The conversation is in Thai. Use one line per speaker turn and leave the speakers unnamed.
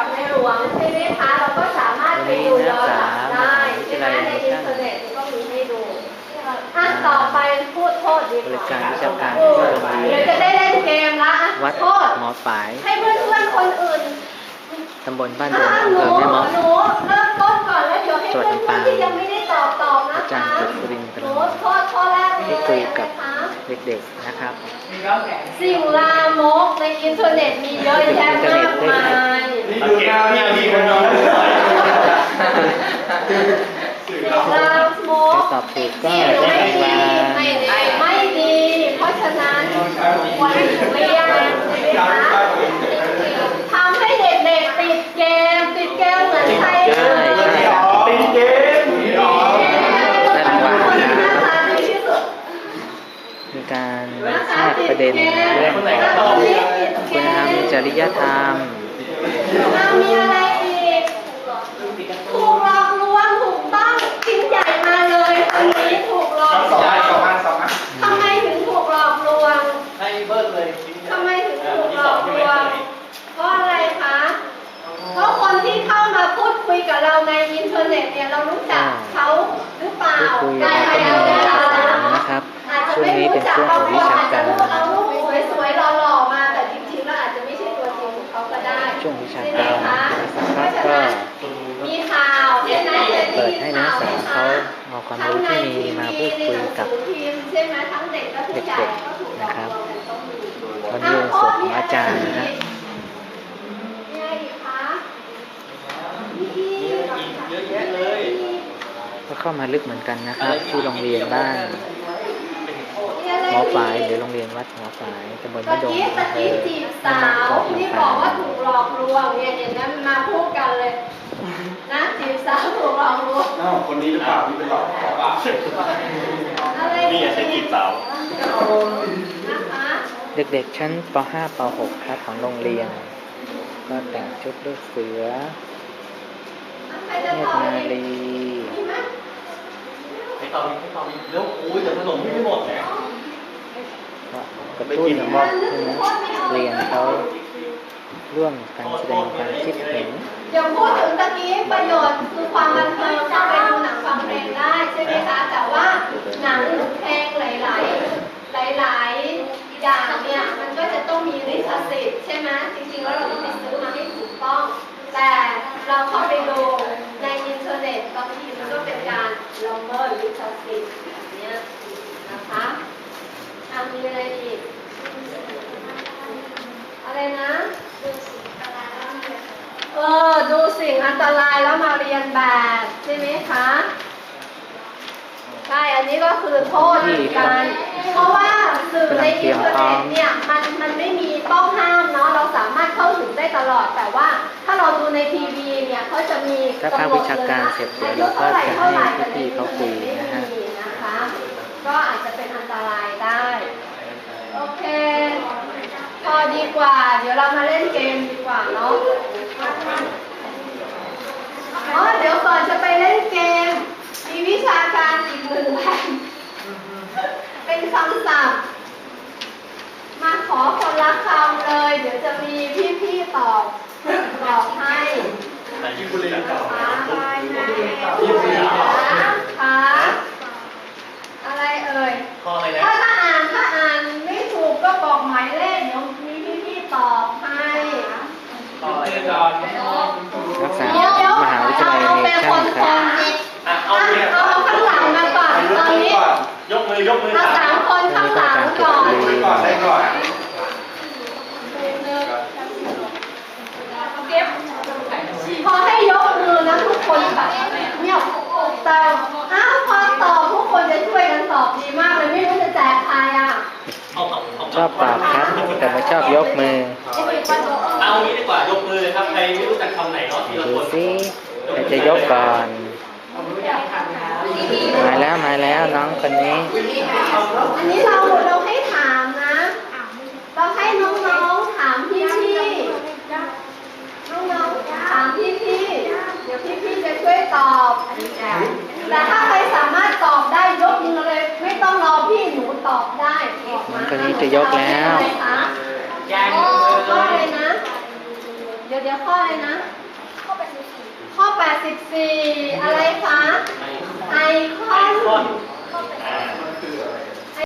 กับในหลวงใช่ไหมคะเราก็สามารถไปดูย้อนหลังได้ใช่ไหมในอินเทอร์เน็ตก็มีให้ดูต่อไปพูดโทษดีกว่า
บริการวิชาการ
เดี๋ยวจะได้เล่นเกมละ
วัด
โทษ
หมอฝาย
ให้เพื่อนๆคนอื่น
ตำบลบ้านดงอำเภอแม่เมาะ
หนูเริ่มต้นก่อนแล้วเดี๋ยวให้
จังหวัด
เพื่อน
ลำปาง
ๆที่ยังไม่ได้ตอบนะ
อาจาร
คะ
ย์กฤษรินทร์
หนูโทษข้อแรกเลย
ที่คุยกับ
นะคะ
เด็กๆนะครับ
สิ่งลามกในอินเทอร์เน็ตมีเยอะแยะมากมาย
ดูหน้าพี่มีคนนอน
สิ่งลามก
ถ้าตอบถูกก็
สิ่ง
ได้
ไม่
ราง
ดี
วัล
ไม่ดี เพราะฉะนั้นควรเรียนใช่ไหมคะทำให้เด็กๆติดเกมเหมือนใครเลย
เป็นเกม
ได้รางวัล
คน
นะ
หน้า
ครับ
ตาดีที่สุด
มีการแทรกประเด็นเรื่องของคุณธรรมจริยธรรม
มีอะไรอีกถูกหลอกลวงถูกต้องชิ้นใหญ่มาเลยคนนี้ถูกหลอกลวง
สองอัน
ทำไมถึงถูกหลอกลวง
ให้เบิ้ลเลย
ทำไมถึงถูกหลอกลวงเพราะอะไรคะเพราะคนที่เข้ามาพูดคุยกับเราในอินเทอร์เน็ตเนี่ยเรารู้จักเขาหรือเปล่า
พูดคุยแล้วก็มีเอกสารนะครับ ช่วงนี้เป็นช่วงของวิชาการ
เอารูปสวยๆหล่อๆมาแต่จริงๆแล้วอาจจะไม่ใช่ตัวจริงของเขาก็ได้
ช่วงวิชา
ใช่ไหม
การ
คะ
สักพักก็
มีข่าวใช่ไหม
เปิดให้นักศึกษาเขาเอาความรู้ที่มีมาพูดคุยกับ
ใช่ไหมทั้งเด็กและผู้ใหญ่
เด็ก
ก็ถูก
ๆ
หลอก
นะครับ
ลวงกันต้องมี
วันนี้วันศุกร์ของอาจารย์นะ
มีอะไรอีกคะมีอีก
เยอะแยะเลย
ก็เข้ามาลึกเหมือนกันนะครับ ที่โรงเรียนบ้าน
มีอะไร
หมอ
อีก
ฝายหรือโรงเรียนวัดหมอฝายตำบล
ตะ
บ้านดง
กี้
อำเภอ
จีบสาวที่บอกว่าถูกหลอกลวงเนี่ยเห็นไหมมันมาพูดกันเลยนะจีบสาวถูกหลอกลวง
อ้าวคนนี้หรือเปล่าที่เป็นหลอกป่ะ
อะไร
นี่อย่าใช้จีบสาว
นะคะ
เด็กๆชั้นป .5 ป .6 ครับของโรงเรียน ก็แต่งชุดลูกเสือ
ใครจะ
เน
ต
ต
อบ
รนา
อีก
รี
มีไหม
ให้ตอบเร็วอุ้ยแต่ขนมไม่หมดเนี่ย
ก็กระตุ้นให้นักเรียนเขาร่วมกันแสดงความคิดเห็น
เดี๋ยวพูดถึงตะกี้ประโยชน์คือความบันเทิงเข้าไปดูหนังฟังเพลงได้ใช่ไหมคะแต่ว่าหนังหรือเพลงหลายๆอย่างเนี่ยมันก็จะต้องมีลิขสิทธิ์ใช่ไหมจริงๆแล้วเราต้องไปซื้อมาให้ถูกต้อง แต่เราเข้าไปดูในอินเทอร์เน็ตบางทีมันก็เป็นการละเมิดลิขสิทธิ์แบบเนี้ยนะคะมีอะไรอีกอะไรนะดูสิ่งอันตรายแล้วมาเรียนแบบใช่ไหมคะใช่อันนี้ก็คือโทษเหมือนกันเพราะว่าสื่อในอินเทอร์เน็ตเนี่ยมันไม่มีต้องห้ามเนาะเราสามารถเข้าถึงได้ตลอดแต่ว่าถ้าเราดูในทีวีเนี่ยเขาจะมี
ถ้าภาควิชาการเสร็จเดี๋ยวเราก็จะให้พี่ๆเขาคุยนะฮะ
นะคะก็อาจจะเป็นอันตรายได้โอเคพอดีกว่า เดี๋ยวเรามาเล่นเกมดีกว่าเนาะเดี๋ยวก่อนจะไปเล่นเกมมีวิชาการอีกหนึ่งแผ่นเป็นคำศัพท์มาขอคนละคำเลย เดี๋ยวจะมีพี่ๆตอบให้
แต่ที่คุณเรียนต่อ
ค่ะอะไรเอ่ย
ข้ออะไรนะ
ถ้าอ่านไม่ถูกก็บอกหมายเลขเดี๋ยวมีพี่ๆตอบให้
ข้ออะไรก่อน
นักศึกษามหาวิทยาลัยเนชั่นครับ
เอาเนี่ย
เอาข้างหลังมาก่อนตอนนี้
ยกมือ
เอาสามคนข้างหลังก่อน
ได้ก่อน
พอให้ยกมือนะทุกคนแบบเงียบแต่พอตอบทุกคนจะช่วยกันตอบดีมากเลยไม่รู้จะแจกใครอ่ะ
ชอบตอบครับ แต่ไม่ชอบยกมือ
เอางี้ดีกว่ายกมือครับใครไม่รู้จักคำไหนเนาะทีละ
ดู
คน
สิใครจะยกก่อน มาแล้วน้องคนนี้
อันนี้เราให้ถามนะ เราให้น้องๆถามพี่น้องๆถามพี่เดี๋ยวพี่จะช่วยตอบแต่ถ้าใครสามารถตอบได้ยกมือเลยไม่ต้องรอพี่หนูตอบได้บอกมา
คนนี้จะยกแล้ว
ก็เลยนะ เดี๋ยวเดี๋ยวข้ออะไรนะ
ข้อ84
ข้อ 84